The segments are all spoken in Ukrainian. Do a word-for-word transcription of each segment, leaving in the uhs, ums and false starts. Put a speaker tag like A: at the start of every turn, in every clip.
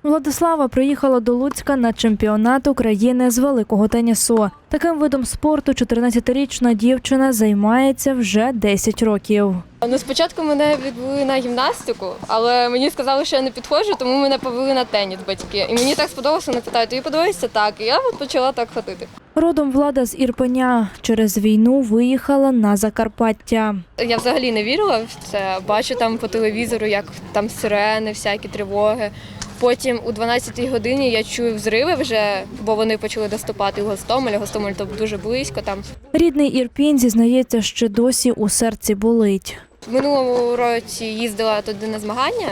A: Владислава приїхала до Луцька на чемпіонат України з великого тенісу. Таким видом спорту чотирнадцятирічна дівчина займається вже десять років.
B: Ну, спочатку мене відвели на гімнастику, але мені сказали, що я не підходжу, тому мене повели на теніс батьки. І мені так сподобалося, вони питають, тобі подобається так? І я от почала так ходити.
A: Родом Влада з Ірпеня. Через війну виїхала на Закарпаття.
B: Я взагалі не вірила в це. Бачу там по телевізору, як там сирени, всякі тривоги. Потім у дванадцятій годині я чую взриви вже, бо вони почали доступати в Гостомель. Гостомель то дуже близько там.
A: Рідний Ірпінь зізнається, що досі у серці болить.
B: В минулому році їздила туди на змагання.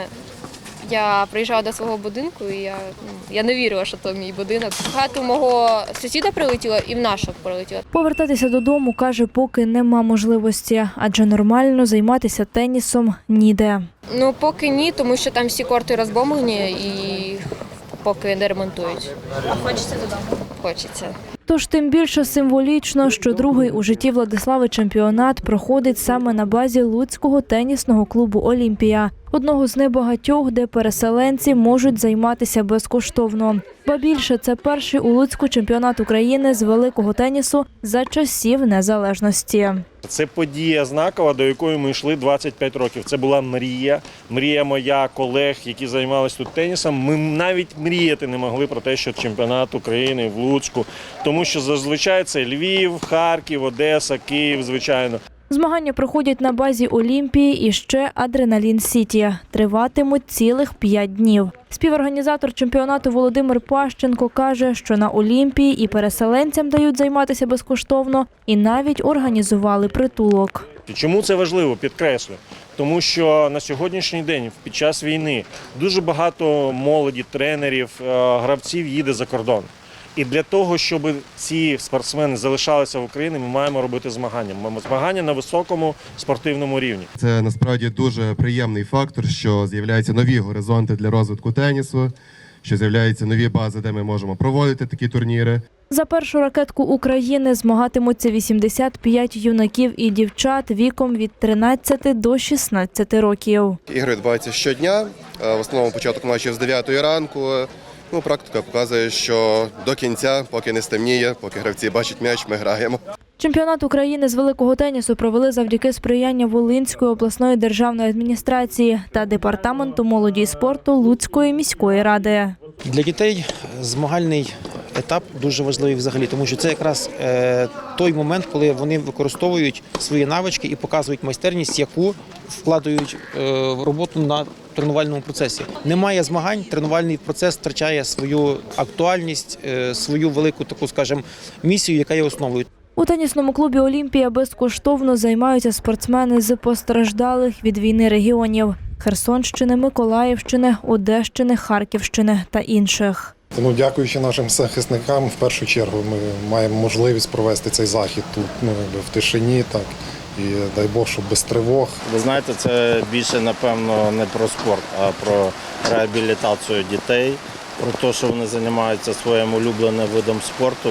B: Я приїжджала до свого будинку і я, я не вірила, що це мій будинок. В хату мого сусіда прилетіло і в нашу прилетіло.
A: Повертатися додому, каже, поки нема можливості, адже нормально займатися тенісом ніде.
B: Ну, поки ні, тому що там всі корти розбомблені і поки не ремонтують. А хочеться додому? Хочеться.
A: Тож тим більше символічно, що другий у житті Владислави чемпіонат проходить саме на базі Луцького тенісного клубу «Олімпія», одного з небагатьох, де переселенці можуть займатися безкоштовно. Ба більше, це перший у Луцьку чемпіонат України з великого тенісу за часів незалежності.
C: Це подія знакова, до якої ми йшли двадцять п'ять років. Це була мрія, мрія моя, колег, які займалися тут тенісом. Ми навіть мріяти не могли про те, що чемпіонат України в Луцьку, тому що зазвичай це Львів, Харків, Одеса, Київ, звичайно.
A: Змагання проходять на базі «Олімпії» і ще «Адреналін Сіті». Триватимуть цілих п'ять днів. Співорганізатор чемпіонату Володимир Пащенко каже, що на «Олімпії» і переселенцям дають займатися безкоштовно, і навіть організували притулок.
C: Чому це важливо, підкреслю? Тому що на сьогоднішній день, під час війни, дуже багато молоді, тренерів, гравців їде за кордон. І для того, щоб ці спортсмени залишалися в Україні, ми маємо робити змагання. Ми маємо змагання на високому спортивному рівні.
D: Це насправді дуже приємний фактор, що з'являються нові горизонти для розвитку тенісу, що з'являються нові бази, де ми можемо проводити такі турніри.
A: За першу ракетку України змагатимуться вісімдесят п'ять юнаків і дівчат віком від тринадцяти до шістнадцяти років.
E: Ігри відбуваються щодня, в основному початок матчів з дев'ятої ранку. Ну, практика показує, що до кінця, поки не стемніє, поки гравці бачать м'яч, ми граємо.
A: Чемпіонат України з великого тенісу провели завдяки сприяння Волинської обласної державної адміністрації та Департаменту молоді і спорту Луцької міської ради.
F: Для дітей змагальний етап дуже важливий взагалі, тому що це якраз е, той момент, коли вони використовують свої навички і показують майстерність, яку вкладають е, в роботу на тренувальному процесі. Немає змагань, тренувальний процес втрачає свою актуальність, е, свою велику таку, скажімо, місію, яка є основою.
A: У тенісному клубі «Олімпія» безкоштовно займаються спортсмени з постраждалих від війни регіонів – Херсонщини, Миколаївщини, Одещини, Харківщини та інших.
G: Тому, дякуючи нашим захисникам, в першу чергу ми маємо можливість провести цей захід тут, ну, в тишині, так, і дай Бог, щоб без тривог.
C: Ви знаєте, це більше, напевно, не про спорт, а про реабілітацію дітей, про те, що вони займаються своїм улюбленим видом спорту.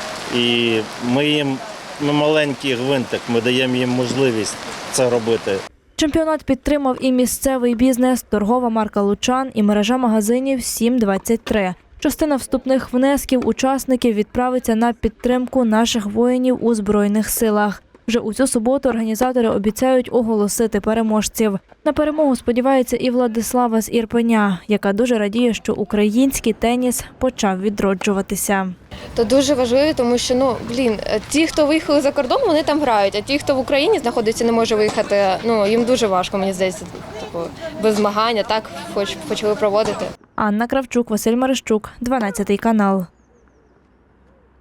C: І ми їм, ми маленький гвинтик, ми даємо їм можливість це робити.
A: Чемпіонат підтримав і місцевий бізнес, торгова марка «Лучан» і мережа магазинів «сім двадцять три». Частина вступних внесків учасників відправиться на підтримку наших воїнів у Збройних силах. Вже у цю суботу організатори обіцяють оголосити переможців. На перемогу сподівається і Владислава з Ірпеня, яка дуже радіє, що український теніс почав відроджуватися.
B: То дуже важливо, тому що, ну, блін, ті, хто виїхали за кордон, вони там грають, а ті, хто в Україні знаходиться, не може виїхати, ну, їм дуже важко, мені здається, типу, без змагання, так, хоч почали проводити.
A: Анна Кравчук, Василь Марищук, дванадцятий канал.